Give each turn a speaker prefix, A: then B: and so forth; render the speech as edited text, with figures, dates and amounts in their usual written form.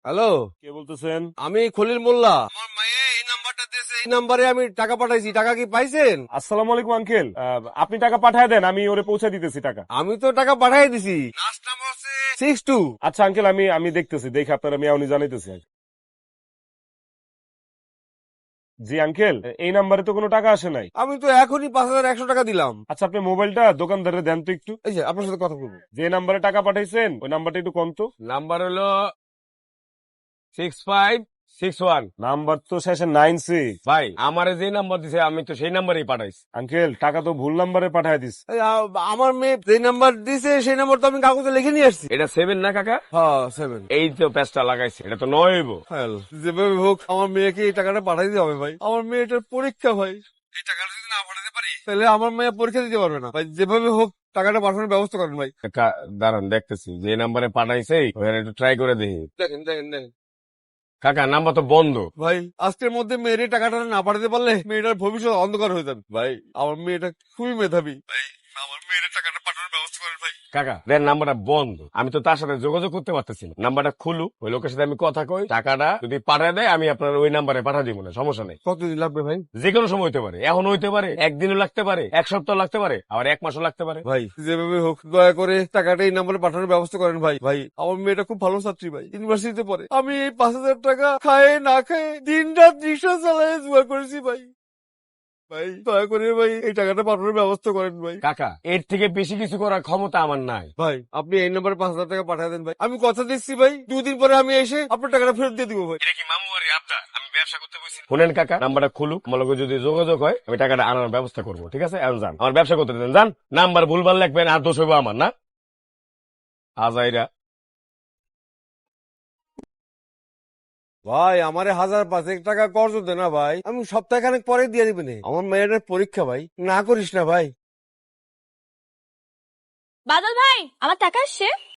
A: Hello,
B: কে বলতেছেন?
A: আমি খলিল মোল্লা। আমার মায়ে এই নাম্বারটা দিয়েছে, এই নাম্বারে আমি টাকা পাঠাইছি। টাকা কি পাইছেন?
B: আসসালামু আলাইকুম আঙ্কেল, আপনি টাকা পাঠায় দেন, আমি ওরে পৌঁছে দিতেছি টাকা।
A: আমি তো টাকা পাঠাই দিছি। লাস্ট নাম্বার হচ্ছে 62।
B: আচ্ছা আঙ্কেল, আমি আমি দেখতেছি, দেখে আপনার আমি এখনই জানাইতেছি। জি আঙ্কেল, এই নাম্বারে তো কোনো টাকা আসে নাই।
A: আমি তো এখনই 5100 টাকা দিলাম।
B: আচ্ছা আপনি মোবাইলটা দোকানদারে দেন তো একটু।
A: এই যে আপনার সাথে কথা বলবো।
B: যে নাম্বারে টাকা পাঠাইছেন ওই নাম্বারটা একটু কম তো।
A: নাম্বার হলো 6561।
B: নাম্বার তো শেষে 96।
A: ভাই আমারে যে নাম্বার দিছে আমি তো সেই নাম্বারেই পাঠাইছি।
B: আঙ্কেল টাকা তো ভুল নাম্বারে পাঠায় দিস।
A: আমার মেয়ে যে নাম্বার দিছে সেই নাম্বার তো আমি কাগজে লিখে নিয়ে আসছি। এটা 7 না কাকা? হ্যাঁ 7। এই তো প্যাচটা লাগাইছে, এটা তো 9 হইব। যেভাবে হোক আমার মেয়েকে এই টাকাটা পাঠাই দিতে হবে ভাই। আমার মেয়েটার পরীক্ষা ভাই। এই টাকাটা যদি না পাঠাতে পারি তাহলে আমার মেয়ে পরীক্ষা দিতে পারবে না ভাই। যেভাবে হোক টাকাটা পাঠানোর ব্যবস্থা করেন ভাই। দাঁড়ান দেখতেছি, যে নাম্বারে পাঠাইছে ওখানে একটু ট্রাই করে দেখি। দেখেন দেখেন দেখেন কাকা, নাম্বার তো বন্ধ ভাই। আজকের মধ্যে মেয়ের টাকাটা না পাঠাতে পারলে মেয়েটার ভবিষ্যৎ অন্ধকার হয়ে যাবে ভাই। আমার মেয়েটা খুবই মেধাবী ভাই। আমার মেয়ের টাকাটা পাঠানোর ব্যবস্থা করেন ভাই। কাকা দেন, নাম্বারটা বন্ধ, আমি তো তার সাথে যোগাযোগ করতে পারতেছি না। নাম্বারটা খুলু, ওই লোকের সাথে আমি কথা কই, টাকাটা যদি পাঠায় দেয় আমি আপনার ওই নাম্বারে পাঠা দিব না, সমস্যা নেই। কতদিন লাগবে ভাই? যে কোনো সময় হতে পারে, এখন হইতে পারে, একদিনও লাগতে পারে, এক সপ্তাহ লাগতে পারে, আবার এক মাসও লাগতে পারে। ভাই যেভাবে হোক দয়া করে টাকাটা এই নাম্বারে পাঠানোর ব্যবস্থা করেন ভাই। ভাই আমার মেয়েটা খুব ভালো ছাত্রী ভাই, ইউনিভার্সিটিতে পড়ে। আমি এই 5000 টাকা খায় না খায় দিন রাত রিক্সা চালায় জোগাড় করেছি ভাই। ভাই দয়া করে ভাই এই টাকাটা পাঠানোর ব্যবস্থা করেন ভাই। কাকা এর থেকে বেশি কিছু করার ক্ষমতা আমার নাই ভাই। আপনি এই নাম্বারে 5000 টাকা পাঠিয়ে দেন ভাই। আমি কথা দিচ্ছি ভাই, 2 দিন পরে আমি এসে আপনার টাকাটা ফেরত দিয়ে দিব ভাই। এটা কি মামু বাড়ি আপনার? আমি ব্যবসা করতে বসি। শুনেন কাকা, নাম্বারটা খুলুক, আমার লগে যদি যোগাযোগ হয় আমি টাকাটা আনার ব্যবস্থা করবো, ঠিক আছে? এখন যান, আমার ব্যবসা করতে দেন, যান। নাম্বার ভুলভাল লিখবেন আর দোষ হইব আমার, না আজাইরা। ভাই আমারে 1005 টাকা কর্জ দে না ভাই, আমি সপ্তাহখানেক পরে দিয়ে দিবেন। আমার মেয়েটার পরীক্ষা ভাই, না করিস না ভাই।
C: বাদল ভাই, আমার টাকা আসছে।